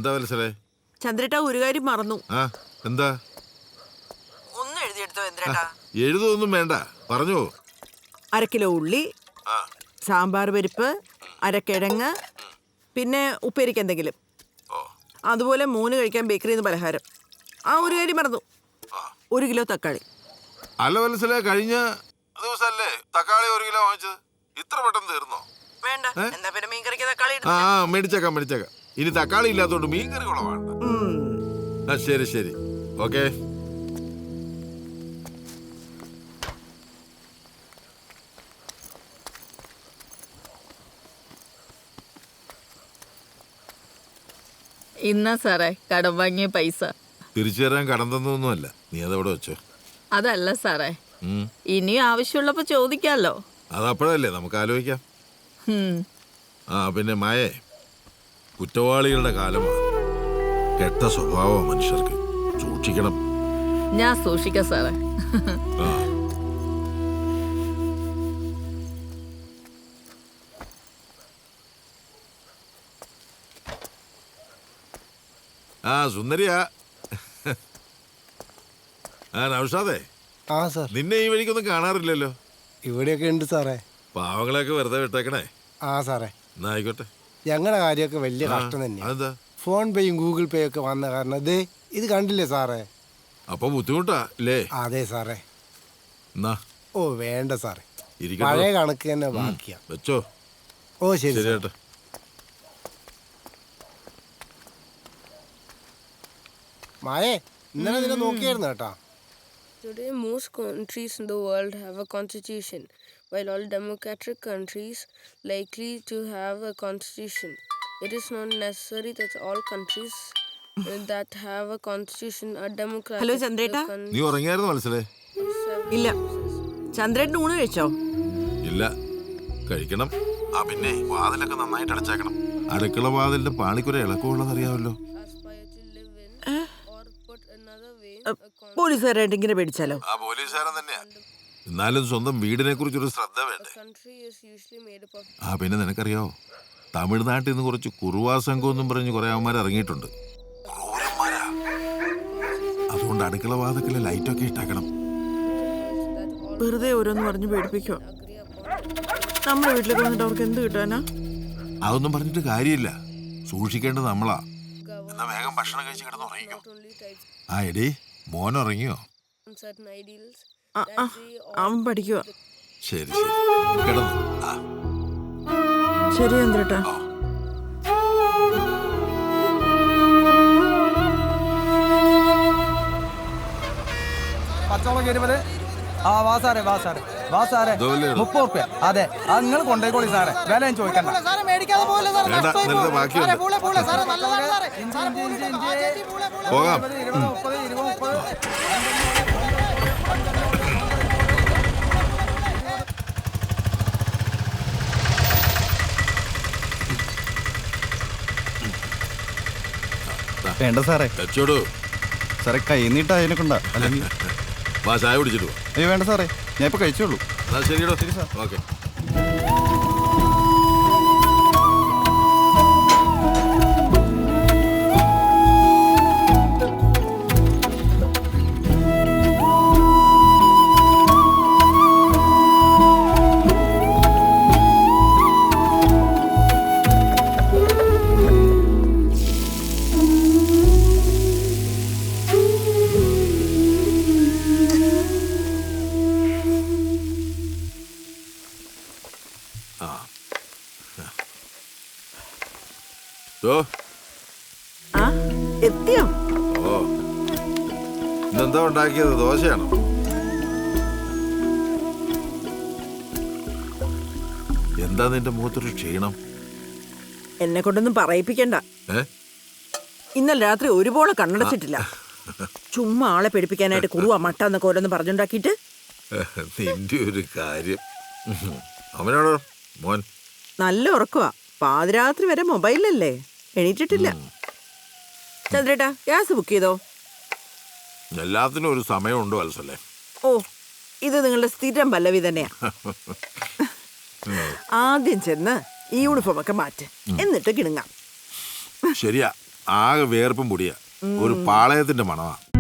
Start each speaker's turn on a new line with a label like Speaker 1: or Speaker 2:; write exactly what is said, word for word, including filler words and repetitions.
Speaker 1: എന്താ വത്സലേ?
Speaker 2: ചന്ദ്രേട്ടാ ഒരു കാര്യം മറന്നു.
Speaker 1: ആ എന്താ?
Speaker 2: ഒന്ന് എഴുതിയെടുത്തോ ചന്ദ്രേട്ടാ.
Speaker 1: എഴുതൊന്നും വേണ്ട, പറഞ്ഞു.
Speaker 2: അര കിലോ ഉള്ളി, സാമ്പാർ പരിപ്പ്, അരക്കിഴങ്ങ്, പിന്നെ ഉപ്പേരിക്ക് എന്തെങ്കിലും, അതുപോലെ മൂന്ന് കഴിക്കാൻ ബേക്കറിയിൽ നിന്ന് പലഹാരം. ആ ഒരു കാര്യം മറന്നു, ഒരു കിലോ തക്കാളി.
Speaker 1: അല്ല വത്സലേ, കഴിഞ്ഞ ദിവസല്ലേ തക്കാളി ഒരു കിലോ വാങ്ങിച്ചത്? ഇത്ര പെട്ടെന്ന് തീർന്നോ?
Speaker 2: വേണ്ട, എന്താ പിന്നെ മീൻ കറിക്ക് തക്കാളി?
Speaker 1: ആ മേടിച്ചേക്കാം മേടിച്ചേക്കാം. ഇനി തക്കാളി ഇല്ലാത്തോണ്ട് മീൻ കറി കുളവാണ്ട. ആ ശരി ശരി, ഓക്കെ.
Speaker 3: ഇന്നാ സാറേ കടം വാങ്ങിയ പൈസ.
Speaker 1: തിരിച്ചു തരാൻ കടം തന്നൊന്നുമല്ല, നീ അതവിടെ വെച്ചോ.
Speaker 3: അതല്ല സാറേ, ഇനിയും ആവശ്യമുള്ളപ്പോ ചോദിക്കാലോ.
Speaker 1: അതപ്പോഴല്ലേ നമുക്ക് ആലോചിക്കാം.
Speaker 3: ഉം.
Speaker 1: ആ പിന്നെ മായേ, കുറ്റവാളികളുടെ കാലമാണ്. കെട്ട സ്വഭാവം മനുഷ്യർക്ക്, സൂക്ഷിക്കണം.
Speaker 3: ഞാൻ സൂക്ഷിക്കാം സാറേ.
Speaker 1: ആ ആ സുന്ദരിയാ. ആ നൗഷാദേ,
Speaker 4: ആ സാർ.
Speaker 1: നിന്നെ ഈ വഴിക്കൊന്നും കാണാറില്ലല്ലോ.
Speaker 4: ഇവിടെയൊക്കെ ഉണ്ട് സാറേ.
Speaker 1: പാവങ്ങളെയൊക്കെ വെറുതെ വിട്ടേക്കണേ.
Speaker 4: ആ സാറേ,
Speaker 1: എന്നാ ആയിക്കോട്ടെ.
Speaker 4: ഞങ്ങളുടെ കാര്യമൊക്കെ വലിയ കഷ്ടം തന്നെയാണ്.
Speaker 1: അതെന്താ?
Speaker 4: ഫോൺ പേയും ഗൂഗിൾ പേ ഒക്കെ വന്ന കാരണം ദേ ഇത് കണ്ടില്ലേ സാറേ.
Speaker 1: അപ്പൊ ബുദ്ധിമുട്ടാ അല്ലേ?
Speaker 4: അതെ സാറേ.
Speaker 1: എന്നാ
Speaker 4: ഓ വേണ്ട സാറേ,
Speaker 1: ഇരിക്കട്ടെ.
Speaker 4: പഴയ കണക്ക് തന്നെ ബാക്കിയാ.
Speaker 1: വെച്ചോ.
Speaker 4: ഓ ശരി
Speaker 1: ശരി
Speaker 4: സാർ.
Speaker 1: ചേട്ടാ.
Speaker 4: മായേ, ഇന്നലെ നിന്നെ നോക്കിയായിരുന്നു കേട്ടാ.
Speaker 5: Today, most countries in the world have a constitution, while all democratic countries likely to have a constitution. It is not necessary that all countries uh, that have a constitution are democratic.
Speaker 2: Hello ചന്ദ്രേട്ടാ.
Speaker 1: നീ ഉറങ്ങിയായിരുന്നു മനസ്സിലേ?
Speaker 2: ഇല്ല. ചന്ദ്രേട്ടൻ ഊണ് കഴിച്ചോ?
Speaker 1: ഇല്ല, കഴിക്കണം. ആ പിന്നെ വാതിലൊക്കെ നന്നായിട്ട് അടച്ചേക്കണം. അടുക്കള വാതിലിന്റെ പാളിക്കുര ഇളക്കമുള്ളത് അറിയാമല്ലോ.
Speaker 2: പോലീസുകാരായിട്ട് ഇങ്ങനെ പേടിച്ചാലോ?
Speaker 1: ആ പോലീസുകാരൻ തന്നെയാ. എന്നാലും സ്വന്തം വീടിനെ കുറിച്ചൊരു ശ്രദ്ധ വേണ്ടേ? ആ പിന്നെ നിനക്കറിയാവോ, തമിഴ്നാട്ടിൽ നിന്ന് കുറച്ച് കുറുവാ സംഘം എന്നും പറഞ്ഞ് കുറെ അവന്മാർ ഇറങ്ങിയിട്ടുണ്ട്. ക്രൂരന്മാരാ. അതുകൊണ്ട് അടുക്കള വാതിക്കലെ ലൈറ്റൊക്കെ ഇട്ടാക്കണം.
Speaker 2: വെറുതെ ഓരോന്ന് പറഞ്ഞ് പേടിപ്പിക്കുക. നമ്മുടെ വീട്ടിലേക്ക് വന്നിട്ട് അവർക്ക് എന്ത് കിട്ടാനാ?
Speaker 1: അതൊന്നും പറഞ്ഞിട്ട് കാര്യമില്ല, സൂക്ഷിക്കേണ്ടത് നമ്മളാ. എന്നാ വേഗം ഭക്ഷണം കഴിച്ച് കിടന്ന് ഉറങ്ങിക്കോ. ആ എടി, മോൻ ഉറങ്ങിയോ?
Speaker 2: അവൻ പഠിക്കുക.
Speaker 1: ശരി ശരി, കിടന്നു. ആ
Speaker 2: ശരി ചന്ദ്രേട്ടാ.
Speaker 6: പച്ചവളം ഇരുപത്. ആ വാ സാറേ, വാ സാറേ, വാ സാറേ. മുപ്പത് റുപ്യ. അതെ, അത് നിങ്ങൾ കൊണ്ടേക്കോളി സാറേ, വില ഞാൻ ചോദിക്കണ്ട.
Speaker 1: പോകാം.
Speaker 6: മുപ്പത് ഇരുപത് മുപ്പത്.
Speaker 7: വേണ്ട സാറേ.
Speaker 1: വെച്ചോടൂ
Speaker 7: സാറേ, കൈ നീട്ടാ അതിനെ കൊണ്ടാ. അല്ലെങ്കിൽ
Speaker 1: വാ ചായ കുടിച്ചിട്ട് പോ.
Speaker 7: ഏയ് വേണ്ട സാറേ, ഞാൻ ഇപ്പൊ കഴിച്ചോളൂ.
Speaker 1: എന്നാ ശരിയടോ.
Speaker 7: ശരി സാർ.
Speaker 1: ഓക്കെ.
Speaker 2: ആ എത്തിയോ?
Speaker 1: ഓ, ഇന്നെന്താ ഉണ്ടാക്കിയത്? ദോശയാണോ? എന്താ നിന്റെ മുഖത്തൊരു ക്ഷീണം?
Speaker 2: എന്നെ കൊണ്ടൊന്നും പറയിപ്പിക്കണ്ട. ഇന്നലെ രാത്രി ഒരുപോലെ കണ്ണടച്ചിട്ടില്ല. ചുമ്മാ ആളെ പേടിപ്പിക്കാനായിട്ട് കുറുവാ മട്ട എന്നൊക്കെ ഓരോന്ന് പറഞ്ഞുണ്ടാക്കിയിട്ട്.
Speaker 1: നിന്റെ ഒരു കാര്യം. അവനാണോ മോൻ?
Speaker 2: നല്ല ഉറക്കവാ, പാതിരാത്രി വരെ മൊബൈലല്ലേ, എണീറ്റിട്ടില്ല. ചന്ദ്രേട്ടാ, ഗ്യാസ് ബുക്ക് ചെയ്തോ?
Speaker 1: എല്ലാത്തിനും ഒരു സമയമുണ്ടോ വത്സലേ?
Speaker 2: ഓ, ഇത് നിങ്ങളുടെ സ്ഥിരം പല്ലവി തന്നെയാ. ആദ്യം ചെന്ന് ഈ യൂണിഫോം ഒക്കെ മാറ്റ്, എന്നിട്ട് കിണുങ്ങാം.
Speaker 1: ശരിയാ, ആകെ വേർപ്പും പൊടിയാ. ഒരു പാളയത്തിന്റെ മണമാ.